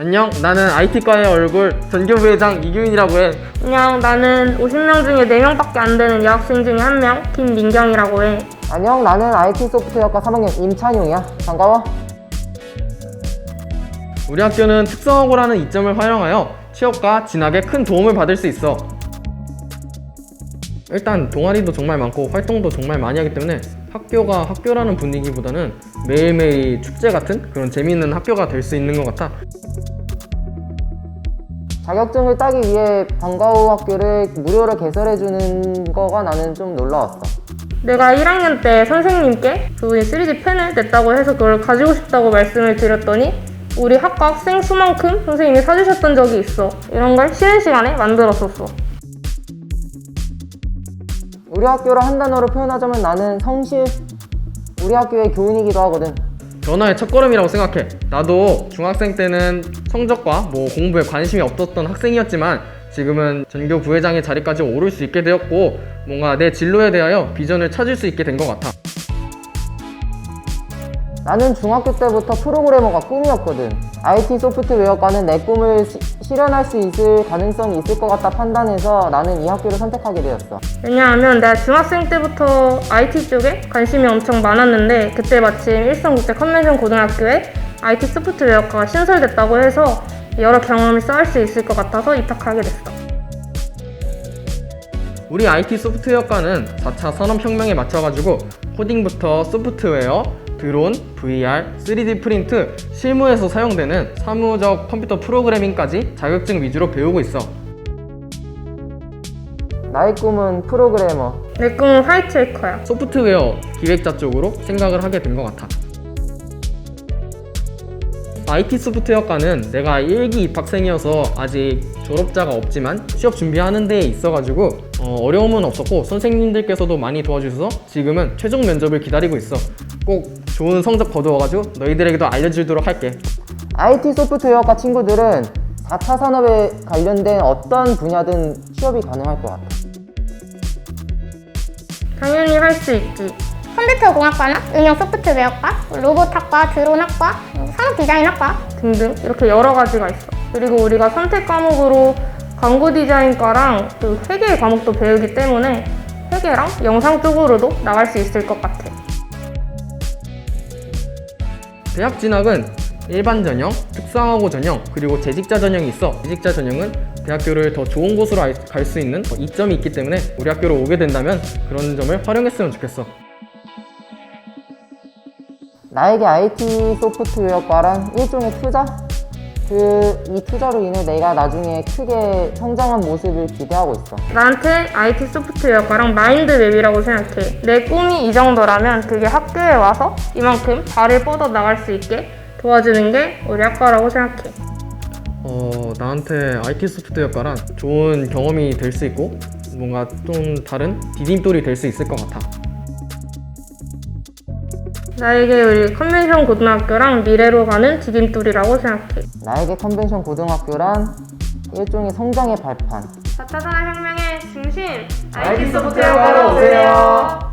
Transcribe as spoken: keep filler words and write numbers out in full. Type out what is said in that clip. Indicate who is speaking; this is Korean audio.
Speaker 1: 안녕, 나는 아이티과의 얼굴 전교부회장 이규민이라고 해.
Speaker 2: 안녕, 나는 오십 명 중에 네 명밖에 안 되는 여학생 중에 한 명, 김민경이라고 해.
Speaker 3: 안녕, 나는 아이티 소프트웨어과 삼 학년 임찬용이야. 반가워.
Speaker 1: 우리 학교는 특성화고라는 이점을 활용하여 취업과 진학에 큰 도움을 받을 수 있어. 일단 동아리도 정말 많고 활동도 정말 많이 하기 때문에 학교가 학교라는 분위기보다는 매일매일 축제 같은 그런 재미있는 학교가 될 수 있는 것 같아.
Speaker 3: 자격증을 따기 위해 방과후 학교를 무료로 개설해주는 거가 나는 좀 놀라웠어.
Speaker 2: 내가 일 학년 때 선생님께 그분이 쓰리디 펜을 냈다고 해서 그걸 가지고 싶다고 말씀을 드렸더니 우리 학과 학생 수만큼 선생님이 사주셨던 적이 있어. 이런 걸 쉬는 시간에 만들었었어.
Speaker 3: 우리 학교를 한 단어로 표현하자면 나는 성실. 우리 학교의 교훈이기도 하거든.
Speaker 1: 변화의 첫걸음이라고 생각해. 나도 중학생 때는 성적과 뭐 공부에 관심이 없었던 학생이었지만 지금은 전교 부회장의 자리까지 오를 수 있게 되었고 뭔가 내 진로에 대하여 비전을 찾을 수 있게 된 것 같아.
Speaker 3: 나는 중학교 때부터 프로그래머가 꿈이었거든. 아이티 소프트웨어과는 내 꿈을 시, 실현할 수 있을 가능성이 있을 것 같다 판단해서 나는 이 학교를 선택하게 되었어.
Speaker 2: 왜냐하면 내가 중학생 때부터 아이티 쪽에 관심이 엄청 많았는데 그때 마침 일성국제 컨벤션 고등학교에 아이티 소프트웨어과가 신설됐다고 해서 여러 경험을 쌓을 수 있을 것 같아서 입학하게 됐어.
Speaker 1: 우리 아이티 소프트웨어과는 사 차 산업혁명에 맞춰가지고 코딩부터 소프트웨어, 드론, 브이알, 쓰리디 프린트, 실무에서 사용되는 사무적 컴퓨터 프로그래밍까지 자격증 위주로 배우고 있어.
Speaker 3: 나의 꿈은 프로그래머.
Speaker 2: 내 꿈은 화이트 해커야.
Speaker 1: 소프트웨어 기획자 쪽으로 생각을 하게 된 것 같아. 아이티 소프트웨어과는 내가 일 기 입학생이어서 아직 졸업자가 없지만 취업 준비하는 데에 있어가지고 어, 어려움은 없었고 선생님들께서도 많이 도와주셔서 지금은 최종 면접을 기다리고 있어. 꼭 좋은 성적 거두어가지고 너희들에게도 알려주도록 할게.
Speaker 3: 아이티 소프트웨어과 친구들은 사 차 산업에 관련된 어떤 분야든 취업이 가능할 것 같아.
Speaker 2: 당연히 할 수 있지.
Speaker 4: 컴퓨터공학과나 응용 소프트웨어과, 로봇학과, 드론학과, 산업디자인학과
Speaker 2: 등등 이렇게 여러 가지가 있어. 그리고 우리가 선택 과목으로 광고 디자인과랑 그 회계 과목도 배우기 때문에 회계랑 영상 쪽으로도 나갈 수 있을 것 같아.
Speaker 1: 대학 진학은 일반 전형, 특성화고 전형, 그리고 재직자 전형이 있어. 재직자 전형은 대학교를 더 좋은 곳으로 갈 수 있는 이점이 있기 때문에 우리 학교로 오게 된다면 그런 점을 활용했으면 좋겠어.
Speaker 3: 나에게 아이티 소프트웨어과란 일종의 투자? 그 이 투자로 인해 내가 나중에 크게 성장한 모습을 기대하고 있어.
Speaker 2: 나한테 아이티 소프트웨어과랑 마인드맵이라고 생각해. 내 꿈이 이 정도라면 그게 학교에 와서 이만큼 발을 뻗어 나갈 수 있게 도와주는 게 우리 학과라고 생각해.
Speaker 1: 어, 나한테 아이티 소프트웨어과란 좋은 경험이 될 수 있고 뭔가 좀 다른 디딤돌이 될 수 있을 것 같아.
Speaker 2: 나에게 우리 컨벤션 고등학교랑 미래로 가는 디딤돌이라고 생각해.
Speaker 3: 나에게 컨벤션 고등학교란 일종의 성장의 발판.
Speaker 2: 사 차 산업혁명의 중심
Speaker 1: 아이티 소프트웨어과로 오세요.